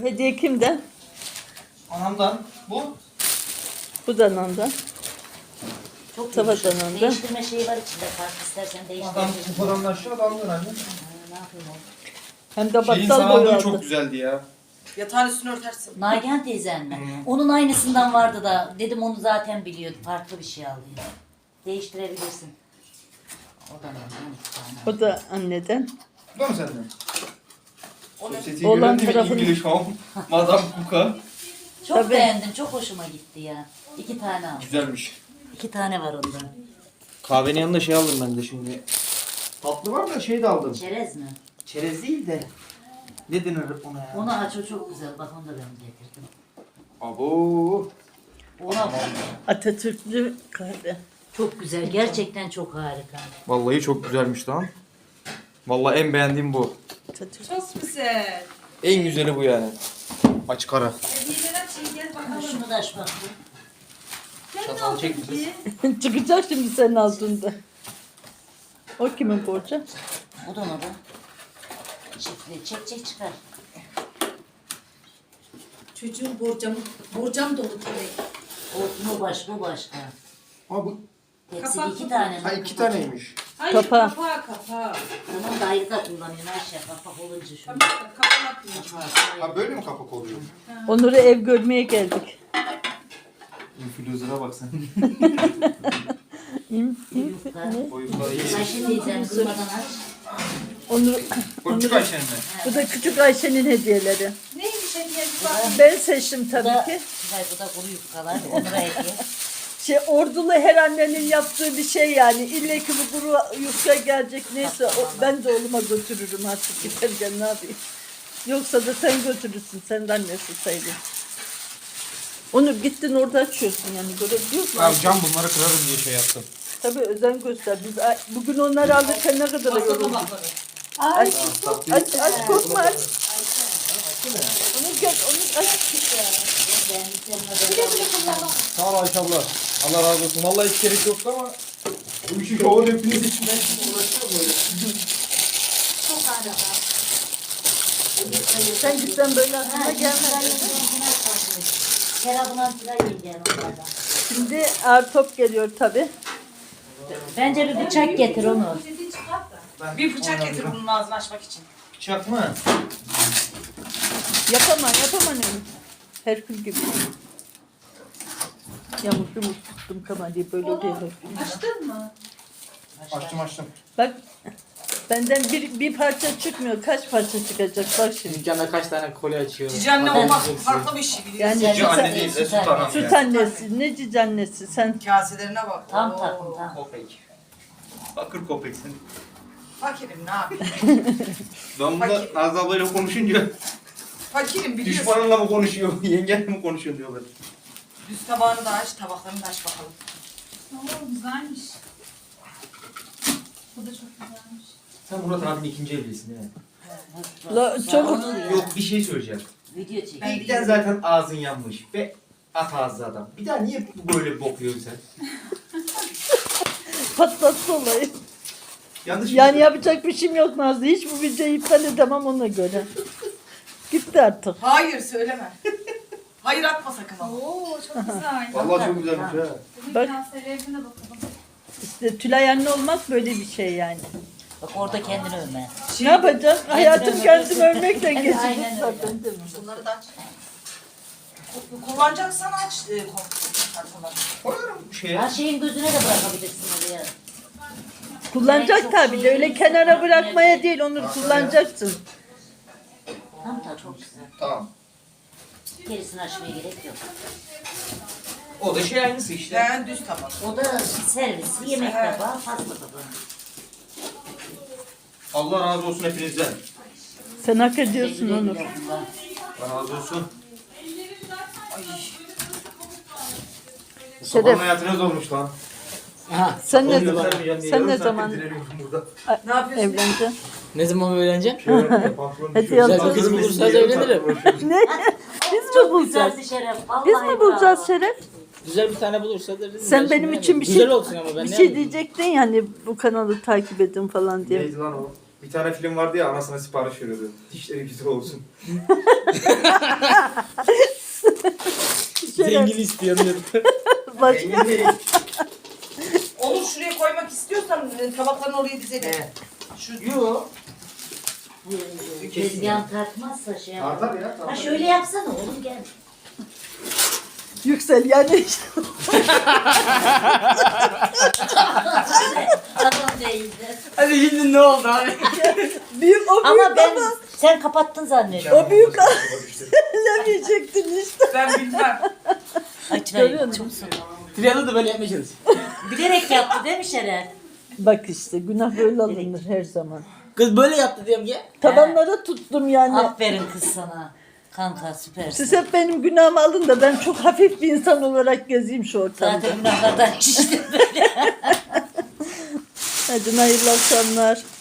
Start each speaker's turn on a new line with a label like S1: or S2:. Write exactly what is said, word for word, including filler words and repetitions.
S1: Hediye kimden?
S2: Anamdan. Bu.
S1: Bu da anamdan.
S3: Çok
S1: Tabak
S3: yumuşak.
S1: anında.
S3: Değiştirme şeyi var içinde. Fark istersen
S2: Adam
S3: değiştirebilirsin.
S2: kupadan aşağı damlıyor anne.
S3: Ha, ne yapayım oğlum?
S1: Hem de
S2: Şeyin
S1: bakkal boyu
S2: sağlığı
S1: aldı.
S2: çok güzeldi ya.
S4: Yatağın üstünü örtersin.
S3: Nagihan teyzen mi?
S2: Hı.
S3: Onun aynısından vardı da dedim onu zaten biliyordu. Farklı bir şey alayım. Değiştirebilirsin. O da Nagihan iki tane.
S1: O da anneden.
S2: Bu da mı senden?
S4: O ne?
S2: Sosyete
S1: Olan
S2: gören
S1: tarafını-
S2: İngiliz Home. Madame Kuka.
S3: Çok
S1: Tabii.
S3: beğendim. Çok hoşuma gitti ya. İki tane aldım.
S2: Güzelmiş.
S3: İki tane var ondan.
S2: Kahvenin yanında şey aldım ben de şimdi. Tatlı var da şey de aldım.
S3: Çerez mi?
S2: Çerez değil de. Ne denir ona ya?
S3: Onu aç o çok güzel. Bak onu da ben getirdim.
S2: Abo.
S3: Ona bak.
S1: Atatürklü kahve.
S3: Çok güzel. Gerçekten çok harika.
S2: Vallahi çok güzelmiş lan. Vallahi en beğendiğim bu.
S1: Atatürk.
S4: Çok güzel.
S2: En güzeli bu yani. Açık ara.
S4: Hediyeler aç iyi gel bakalım.
S3: Şunu da aç bak.
S2: Çatalı çek bize.
S1: Çıkacak şimdi senin altında. O kimin borcu?
S3: Bu da mı da? Çiftli. Çek çek çıkar.
S4: Çocuğun borcam, borcam dolu tabii.
S3: O bu baş bu başka.
S2: Aa bu.
S3: Tepsi
S4: Kapak
S3: iki
S4: mı?
S3: tane.
S2: Ha iki taneymiş.
S4: Hayır
S1: Kapağı.
S4: kapağı kapağı.
S3: Bunu da ayrı da kullanıyorsun Ayşe. Kapak olunca şunu.
S4: Tabii kapağı yapıyor.
S2: Ha böyle mi kapak oluyor?
S1: Onur'u ev görmeye geldik.
S2: Influencer'a bak sen.
S1: İm, im,
S3: Yufka.
S1: ne?
S2: Boyutları iyi.
S3: Ayşe teyzem durmadan aç.
S1: Onur,
S2: Boyutçuk Ayşe'nin mi?
S1: bu da küçük Ayşe'nin hediyeleri.
S4: Neymiş hediye bir bak.
S1: Ben seçtim
S3: Bu
S1: tabii
S3: da,
S1: ki.
S3: Hayır, bu da kuru yufkalar. Onur'a hediye.
S1: Şey ordulu her annenin yaptığı bir şey yani. İlle ki bu kuru yufka gelecek neyse o, ben de oğluma götürürüm artık giderken ne yapayım. Yoksa da sen götürürsün. Sen de annesi sayılır. Onur gittin orada açıyorsun yani görebiliyor musun?
S2: Ben cam bunları kırarım diye şey yaptım.
S1: Tabii özen göster. Biz a- bugün onları alırken ne kadar
S4: Pasta
S1: yorulduk.
S4: tabakları.
S1: Aç, aç, aç korkma aç. Onu gel, onu aç.
S2: Sağ ol Ayşe abla. Allah razı olsun. Vallahi hiç gerek yoktu ama bu işi şovun hepiniz için ben şimdi uğraşıyorum böyle.
S4: Çok harika.
S1: Sen gitsen böyle aklına gelmez.
S3: Kerabından filan yiyeceğim onlardan.
S1: Şimdi ağır top geliyor tabii.
S3: Bence bir bıçak getir onu.
S4: Bir bıçak getir bunun ağzını açmak için.
S2: Bıçak mı?
S1: Yapamam, yapamam öyle. Herkül gibi. Yamuk yumuk tuttum kamerayı böyle oluyor.
S4: Açtın mı?
S2: Açtım açtım.
S1: Bak benden bir, bir parça çıkmıyor. Kaç parça çıkacak bak şimdi.
S5: Dükkanda kaç tane kolye açıyor?
S4: Cici anne
S5: Hadi
S4: olmak
S5: yiyeceksin.
S4: farklı bir şey biliyorsun.
S1: Yani
S2: Cici anne değil de süt anam
S1: süt
S2: yani.
S1: annesi, ne cici annesi sen.
S4: Kaselerine bak.
S3: Tam
S4: Oo.
S3: takım tam.
S2: Kopek. Bakır kopeksin.
S4: Fakirim ne yapayım?
S2: Ben burada Nazlı ablayla konuşunca
S4: Fakirim biliyorsun.
S2: düşmanınla mı konuşuyor, yengenle mi konuşuyor diyorlar.
S4: Düz tabağını da aç, tabaklarını da aç bakalım.
S6: Oo güzelmiş. Bu da çok güzelmiş.
S5: Sen Murat abinin ikinci evlisin değil mi?
S1: La, çok
S5: Yok bir şey söyleyeceğim.
S3: Video çek.
S4: Ben-
S5: İlkten zaten ağzın yanmış ve at ağzı adam. Bir daha niye böyle bokuyorsun sen?
S1: patlattı olayı.
S5: Yanlış mı
S1: Yani
S5: söylüyorum?
S1: yapacak bir şeyim yok Nazlı. Hiç bu videoyu iptal edemem ona göre. Gitti artık.
S4: Hayır söyleme. Hayır atma sakın ama.
S6: Oo çok güzel.
S2: Vallahi çok güzelmiş ha.
S6: Bunun
S1: Bak.
S6: kanserlerine bakalım.
S1: İşte Tülay anne olmak böyle bir şey yani.
S3: Bak orada kendini övme.
S1: Ne yapacağız? Hayatım kendimi övmekle
S3: Evet,
S1: geçecek
S3: aynen öyle.
S1: zaten değil mi?
S4: Bunları da aç. Ku- Kullanacaksan aç. E, kom- kartonları.
S2: Koyarım şeye.
S3: Her şeyin gözüne de bırakabilirsin oraya.
S1: Kullanacak tabii de öyle kenara bırakmaya değil onu kullanacaksın.
S3: Tam da çok güzel.
S2: Tamam.
S3: Gerisini açmaya gerek yok.
S5: O da şey aynısı işte.
S4: Ben düz tabak.
S3: O da servis, yemek
S4: Evet.
S3: tabağı, pasta tabağı.
S2: Allah razı olsun hepinizden.
S1: Sen hak ediyorsun
S3: Güle
S1: onu.
S3: güle kullan.
S2: Allah razı olsun.
S4: Ay.
S2: Bu
S1: Şeref.
S2: sabahın hayatı ne zormuş lan.
S5: Aha.
S1: Sen ne
S5: Onu
S1: zaman
S5: göstermeyeceğim diye
S1: sen
S5: yarım
S1: ne
S5: saattir
S1: zaman
S5: direniyorum burada.
S4: Ne yapıyorsun?
S1: evleneceksin?
S5: Ne zaman öğreneceğim?
S2: Şey var ya, pantolon
S1: Hadi
S2: düşüyor.
S1: yalnız.
S5: Güzel bir kız
S2: Görmesin
S5: bulursanız
S2: diye yarım
S5: evlenirim.
S2: saattir uğraşıyorum.
S1: Ne? Biz mi bulacağız?
S3: Güzeldi Şeref. Vallahi
S1: Biz mi bulacağız
S3: bravo.
S1: Şeref?
S5: Güzel bir tane bulursa da
S1: Sen benim için bir şey
S5: Güzel olsun ama ben
S1: bir
S5: ne
S1: şey
S5: yapayım?
S1: diyecektin yani bu kanalı takip edin falan diye.
S2: Neydi lan o? Bir tane film vardı ya anasına sipariş veriyordu. Dişleri güzel olsun.
S1: Zengin
S7: istiyor diyordu.
S1: Başka.
S5: Zengin değil.
S4: Onu şuraya koymak istiyorsan e, tabaklarını oraya dizelim.
S5: Evet.
S4: Şu
S5: Yo.
S3: Tezgahın tartmazsa şey yapar.
S5: Tartar ya.
S3: Ha
S5: Tartar.
S3: şöyle yapsana oğlum gel.
S1: Yüksel yani.
S3: Tamam değildi.
S7: Hadi şimdi ne oldu abi?
S1: Büyük, o büyük
S3: Ama ben
S1: ama
S3: sen kapattın zannediyorum.
S1: o büyük elemeyecektin işte.
S4: ben bilmem.
S3: Açmayın.
S1: Görüyor musun?
S3: Çumsun.
S7: Triyan'da da böyle yapmayacağız.
S3: Bilerek yaptı değil mi Şener?
S1: Bak işte günah böyle alınır her zaman.
S7: Kız böyle yaptı diyorum ki.
S1: Tabanlara tuttum yani.
S3: Aferin kız sana. Kanka süpersin.
S1: Siz hep benim günahımı alın da ben çok hafif bir insan olarak gezeyim şu ortamda.
S3: Zaten günahlardan şiştim böyle.
S1: Hadi hayırlı akşamlar.